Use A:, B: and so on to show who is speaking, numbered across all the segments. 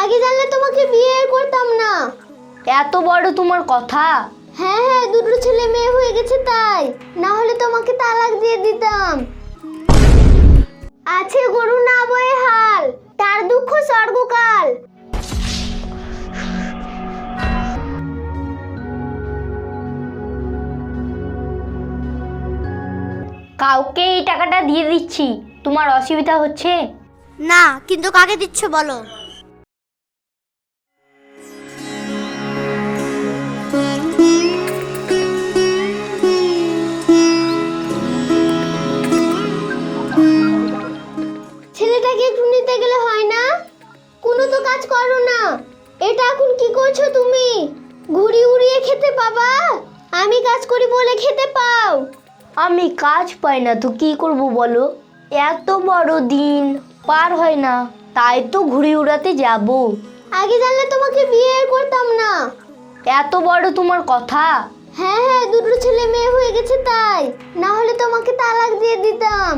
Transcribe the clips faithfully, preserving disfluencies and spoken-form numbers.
A: আগে জানলে তোমাকে বিয়ে করতাম না।
B: এত বড় তোমার কথা?
A: হ্যাঁ হ্যাঁ, দুটো ছেলে মেয়ে হয়ে গেছে তাই, না হলে তোমাকে তালাক দিয়ে দিতাম। আছে গরু না বয়ে হাল, তার দুঃখ স্বর্গকাল।
B: কাউকে এই টাকাটা দিয়ে দিচ্ছি, তোমার অসুবিধা হচ্ছে?
A: না, কিন্তু কাকে দিচ্ছ বলো? ছেলেটাকে একটু নিতে গেলে হয় না? কোনো তো কাজ করো না। এটা এখন কি করছো তুমি? ঘুড়ি উড়িয়ে খেতে পাবা? আমি কাজ করি বলে খেতে পাও।
B: আমি কাজ পাই না তো কি করব বলো? এত বড় দিন পার হয় না, তাই তো ঘুড়ি উড়াতে যাব।
A: আগে জানলে তোমাকে বিয়ে করতাম না।
B: এত বড় তোমার কথা?
A: হ্যাঁ হ্যাঁ, দুটো ছেলে মেয়ে হয়ে গেছে তাই, না হলে তোমাকে তালাক দিয়ে দিতাম।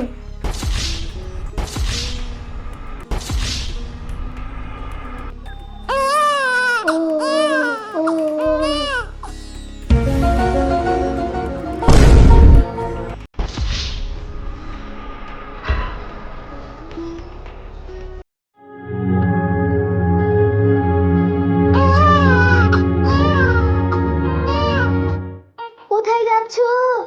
A: কোথায় যাচ্ছ?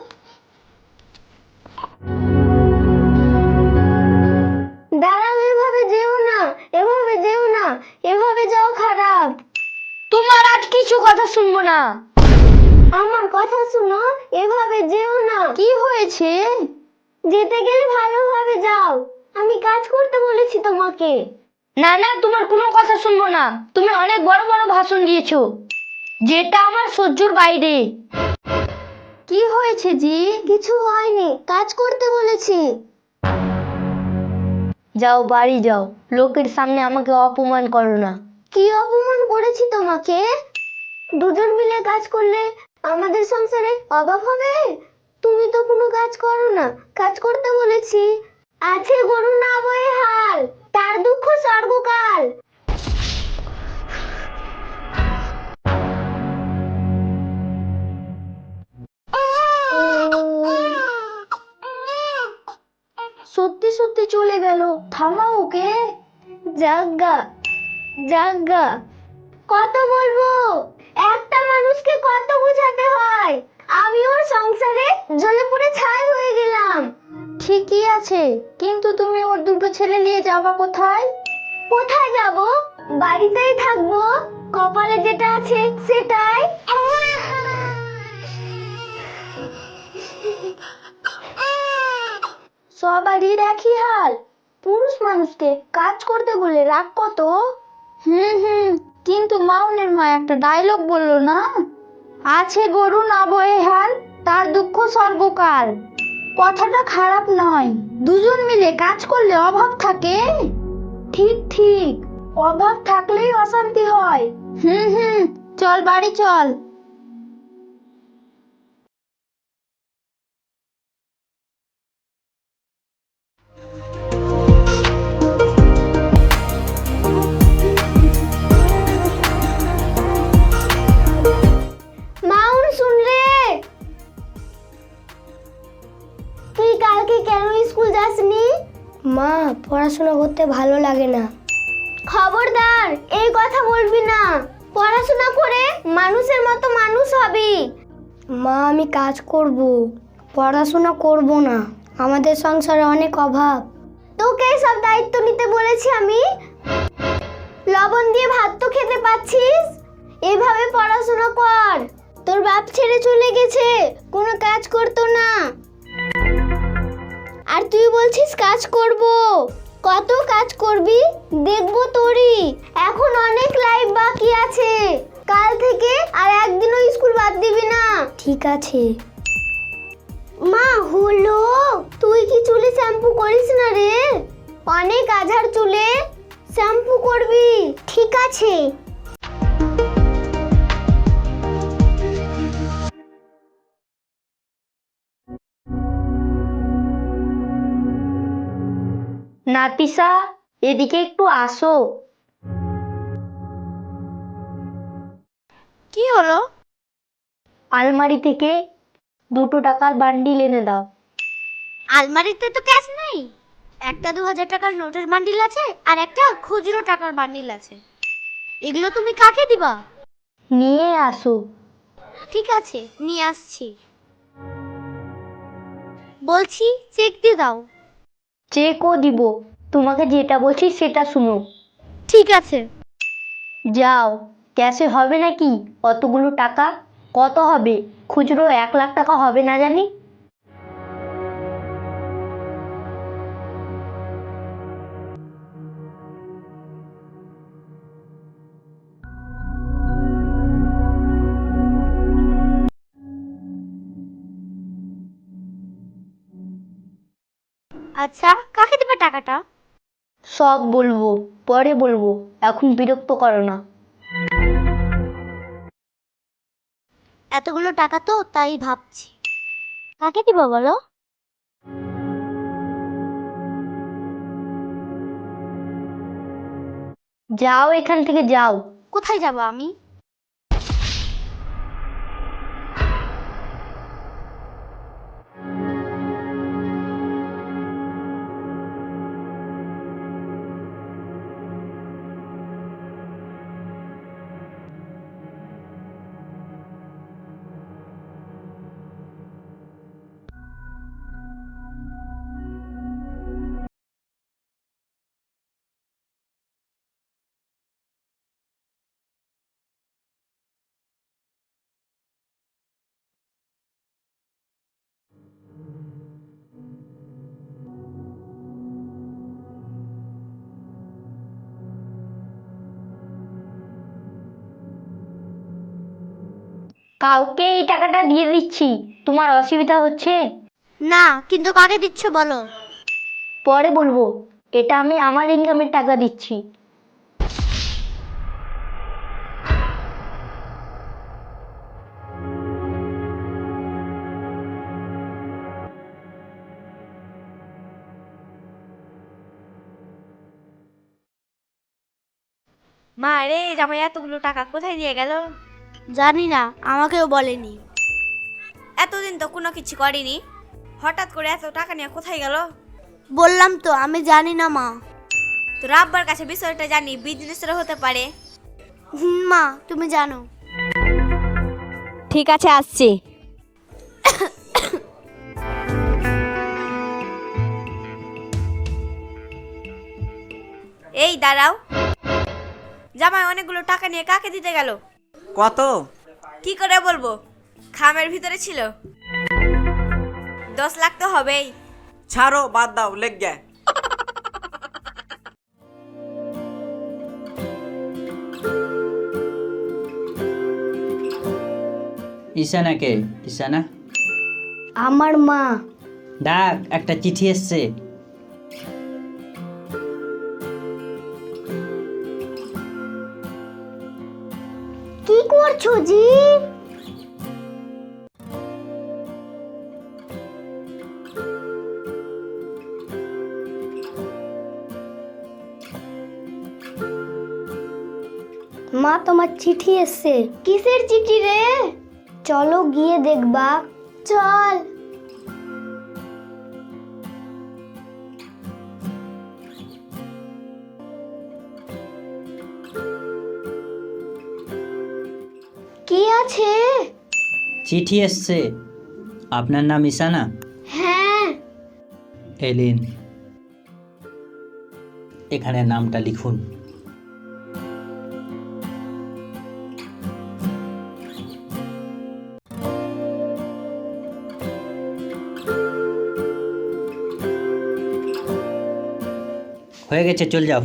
A: দাঁড়াও, এভাবে যেও না, এভাবে যেও না, এভাবে যাও খারাপ।
B: তোমার আজ কিছু কথা শুনবো না।
A: আমার কথা শুনো, এভাবে যেও না।
B: কি হয়েছে?
A: যেতে গেলে ভালোভাবে যাও, আমি কাজ করতে বলেছি তোমাকে।
B: না না, তোমার কোনো কথা শুনবো না। তুমি অনেক বড় বড় ভাষণ দিয়েছো, যেটা আমার সহ্যর বাইরে। কি হয়েছে জি?
A: কিছু হয়নি, কাজ করতে বলেছি।
B: যাও বাড়ি যাও, লোকের সামনে আমাকে অপমান করো না।
A: কি অপমান করেছি তোমাকে? দুজন মিলে কাজ করলে আমাদের সংসারে অভাব হবে? তুমি তো কোনো কাজ করো না, কাজ করতে বলেছি। আছে গরু না বয়ে হাল, তার দুঃখ স্বর্গকাল।
B: সত্যি সত্যি চলে গেল, থামাও ওকে।
A: জাগা জাগা, কত বলবো? একটা মানুষকে কত বোঝাতে হয়। আমি ওর সংসারে জ্বলে পুড়ে ছাই হয়ে গেলাম।
B: ঠিকই আছে, কিন্তু তুমি ওর দুটো ছেলে নিয়ে যাবা কোথায়?
A: কোথায় যাব? বাড়িতেই থাকবো, কপালে যেটা আছে সেটাই।
B: সবারই একই হাল, পুরুষ মানুষকে কাজ করতে বলে রাগ কত। হুম হুম, কিন্তু মাউনের মা একটা ডায়লগ বললো না, আছে গরু না বয়ে হাল, তার দুঃখ সর্বকাল। কথাটা খারাপ নয়, দুজন মিলে কাজ করলে অভাব থাকে। ঠিক ঠিক, অভাব থাকলেই অশান্তি হয়। হুম হুম, চল বাড়ি চল।
A: মাউন, শুন রে, তুই কালকে কেন স্কুল যাসনি?
B: মা, পড়াশোনা করতে ভালো লাগে না।
A: খবরদার এই কথা বলবি না। পড়াশোনা করে মানুষের মতো মানুষ হবি।
B: মা, আমি কাজ করব, পড়াশোনা করব না। আমাদের সংসারে অনেক অভাব।
A: তোকে সব দায়িত্ব নিতে বলেছি আমি? লবণ দিয়ে ভাত তো খেতে পাচ্ছিস, এভাবে পড়াশোনা কর। তোর বাপ ছেড়ে চলে গেছে, কোনো কাজ করতো না, আর তুই বলছিস কাজ করব। কত কাজ করবি দেখবো তোরই। এখন অনেক লাইফ বাকি আছে, কাল থেকে আর একদিনও স্কুল বাদ দিবি না।
B: ঠিক আছে
A: মা, হলো, তুই কি চুলে শ্যাম্পু করিস না রে? অনেক আঝার চুলে শ্যাম্পু করবি। ঠিক আছে।
B: নাতিসা, এদিকে একটু আসো। হলো?
A: আলমারি থেকে দুটো টাকার বান্ডিল এনে দাও।
B: আলমারিতে তো ক্যাশ নেই। একটা দু হাজার টাকার নোটের বান্ডিল আছে আর একটা খুচরো টাকার বান্ডিল আছে। এগুলো তুমি কাকে দিবা?
A: নিয়ে আসো।
B: ঠিক আছে, নিয়ে আসছি। বলছি চেক দিয়ে দাও।
A: চেকও দিব, তোমাকে যেটা বলছি সেটা শুনো।
B: ঠিক আছে।
A: যাও, ক্যাশে হবে নাকি অতগুলো টাকা? কত হবে? খুচরো এক লাখ টাকা হবে না জানি।
B: আচ্ছা, কাকে দেবে টাকাটা?
A: সব বলবো, পরে বলবো, এখন বিরক্ত করো না।
B: এতগুলো টাকা তো তাই ভাবছি কাকে দিব বলো।
A: যাও এখান থেকে, যাও।
B: কোথায় যাব আমি?
A: কাউকে এই টাকাটা দিয়ে দিচ্ছি, তোমার অসুবিধা হচ্ছে?
B: না, কিন্তু কাকে দিচ্ছ বলো।
A: পরে বলবো, এটা আমি আমার ইনকামের টাকা দিচ্ছি।
B: মা রে, জামাই এতগুলো টাকা কোথায় নিয়ে গেল? জানি না, আমাকেও বলেনি।
C: এতদিন তো কোনো কিছু করিনি, হঠাৎ করে এত টাকা নিয়ে কোথায় গেল?
B: বললাম তো আমি জানি না মা।
C: তোর আব্বার কাছে বিষয়টা জানি, বিজনেসের হতে পারে।
B: হুম মা, তুমি জানো।
C: ঠিক আছে, আসছি। এই দাঁড়াও, জামাই অনেকগুলো টাকা নিয়ে কাকে দিতে গেল?
D: কত?
C: কি করে বলবো, খামের ভিতরে ছিল। দশ লাখ তো হবেই।
D: ছাড়ো, বাদ দাও, লেগ গে।
E: ঈশানা কে? ঈশানা?
A: আমার মা।
E: ডাক, একটা চিঠি এসছে।
A: কি করছো জি? মা, তোমার চিঠি এসছে। কিসের চিঠি রে? চলো গিয়ে দেখবা। চল। কি আছে?
E: চিঠি এসছে। আপনার নাম ঈশানা?
A: হ্যাঁ।
E: এলিন, এখানে নামটা লিখুন। হয়ে গেছে, চল যাও।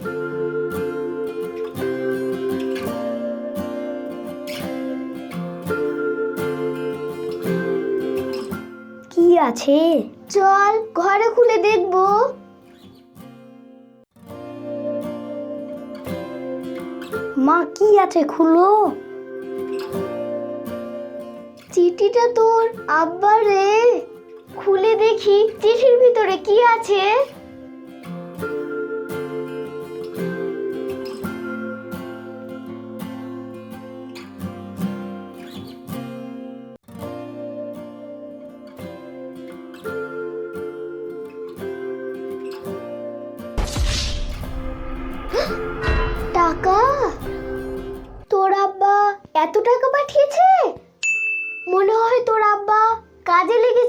A: কি আছে? চল ঘরে খুলে দেখবো। মা, কি আছে, খুলো। চিঠিটা তোর আব্বার রে। খুলে দেখি চিঠির ভিতরে কি আছে।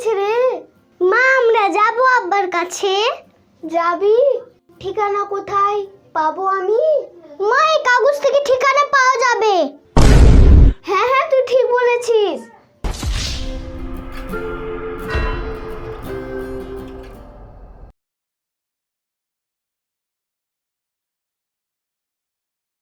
A: এসেছে রে। মা আমরা যাব আব্বার কাছে। যাবি? ঠিকানা কোথায় পাবো আমি? মা এই কাগজ থেকে ঠিকানা পাওয়া যাবে। হ্যাঁ হ্যাঁ তুই